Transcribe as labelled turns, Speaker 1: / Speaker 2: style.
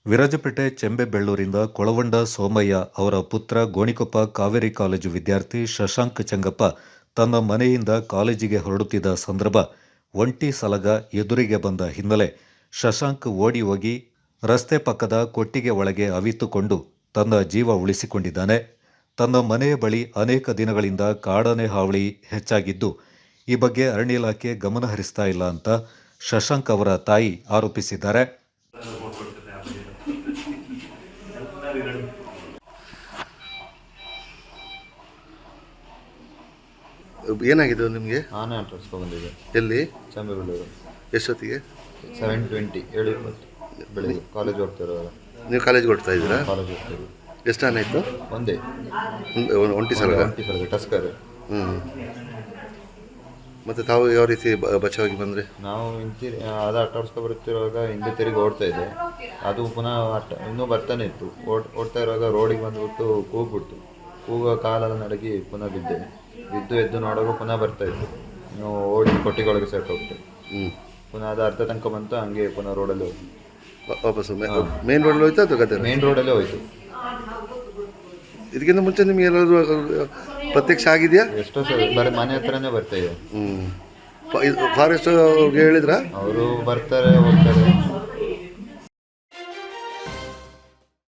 Speaker 1: ವಿರಾಜಪೇಟೆ ಚೆಂಬೆಬೆಳ್ಳೂರಿಂದ ಕೊಳವಂಡ ಸೋಮಯ್ಯ ಅವರ ಪುತ್ರ ಗೋಣಿಕೊಪ್ಪ ಕಾವೇರಿ ಕಾಲೇಜು ವಿದ್ಯಾರ್ಥಿ ಶಶಾಂಕ್ ಚೆಂಗಪ್ಪ ತನ್ನ ಮನೆಯಿಂದ ಕಾಲೇಜಿಗೆ ಹೊರಡುತ್ತಿದ್ದ ಸಂದರ್ಭ ಒಂಟಿ ಸಲಗ ಎದುರಿಗೆ ಬಂದ ಹಿನ್ನೆಲೆ ಶಶಾಂಕ್ ಓಡಿ ಹೋಗಿ ರಸ್ತೆ ಪಕ್ಕದ ಕೊಟ್ಟಿಗೆ ಒಳಗೆ ಅವಿತುಕೊಂಡು ತನ್ನ ಜೀವ ಉಳಿಸಿಕೊಂಡಿದ್ದಾನೆ. ತನ್ನ ಮನೆಯ ಬಳಿ ಅನೇಕ ದಿನಗಳಿಂದ ಕಾಡಾನೆ ಹಾವಳಿ ಹೆಚ್ಚಾಗಿದ್ದು, ಈ ಬಗ್ಗೆ ಅರಣ್ಯ ಇಲಾಖೆ ಗಮನ ಹರಿಸ್ತಾ ಇಲ್ಲ ಅಂತ ಶಶಾಂಕ್ ಅವರ ತಾಯಿ ಆರೋಪಿಸಿದ್ದಾರೆ.
Speaker 2: ಏನಾಗಿದೆ ನಿಮಗೆ?
Speaker 3: ಆನೆ ಆಟೋಸ್ಕೊ ಬಂದಿದೆ.
Speaker 2: ಎಲ್ಲಿ?
Speaker 3: ಚೆಂಬೆಬೆಳ್ಳೂರು.
Speaker 2: ಎಷ್ಟೊತ್ತಿಗೆ?
Speaker 3: 7:20 7:20 ಬೆಳಿಗ್ಗೆ. ಕಾಲೇಜ್ ಹೋಗ್ತಿರೋದು.
Speaker 2: ನೀವು ಕಾಲೇಜ್ಗೆ ಹೊಡ್ತಾ ಇದ್ದೀರಾ?
Speaker 3: ಕಾಲೇಜ್ ಹೋಗ್ತಿರೋದು.
Speaker 2: ಎಷ್ಟು ಆನೆ ಇತ್ತು?
Speaker 3: ಒಂದೇ
Speaker 2: ಒಂಟಿ ಸಲಗ
Speaker 3: ಟಸ್ಕರ್.
Speaker 2: ಮತ್ತು ತಾವು ಯಾವ ರೀತಿ ಬಚಾವಾಗಿ ಬಂದರೆ?
Speaker 3: ನಾವು ಅದು ಆಟೋಸ್ಕೊ ಬರುತ್ತಿರುವಾಗ ಹಿಂದೆ ತಿರುಗಿ ಓಡ್ತಾ ಇದ್ದೆ. ಅದು ಪುನಃ ಇನ್ನೂ ಬರ್ತಾನೆ ಇತ್ತು. ಓಡ್ತಾ ಇರುವಾಗ ರೋಡಿಗೆ ಬಂದುಬಿಟ್ಟು ಕೂಗೋ ಕಾಲೆಲ್ಲ ನಡಗಿ ಪುನಃ ಬಿದ್ದು ಎದ್ದು ನೋಡುವಾಗ ಪುನಃ ಬರ್ತಾ ಇತ್ತು. ನಾವು ಓಡಿ ಕೊಟ್ಟಿಗೊಳಗೆ ಸೆಟ್ ಹೋಗ್ತೇವೆ. ಪುನಃ ಅದು ಅರ್ಧ ತನಕ ಬಂತು. ಹಂಗೆ ಪುನಃ ರೋಡಲ್ಲಿ ಹೋಗಿ
Speaker 2: ವಾಪಸ್ಸು ಮೇನ್ ರೋಡಲ್ಲಿ ಹೋಯ್ತು ಅಥವಾ ಗದ್ದೆ?
Speaker 3: ಮೇನ್ ರೋಡಲ್ಲೇ ಹೋಯ್ತು.
Speaker 2: ಇದಕ್ಕಿಂತ ಮುಂಚೆ ನಿಮ್ಗೆ ಏನಾದರೂ ಪ್ರತ್ಯಕ್ಷ ಆಗಿದೆಯಾ?
Speaker 3: ಎಷ್ಟೋ ಸಲ ಬರೀ ಮನೆ ಹತ್ರನೇ ಬರ್ತಾ ಇದೆ.
Speaker 2: ಫಾರೆಸ್ಟ್ ಅವ್ರಿಗೆ ಹೇಳಿದ್ರಾ?
Speaker 3: ಅವರು ಬರ್ತಾರೆ ಹೋಗ್ತಾರೆ.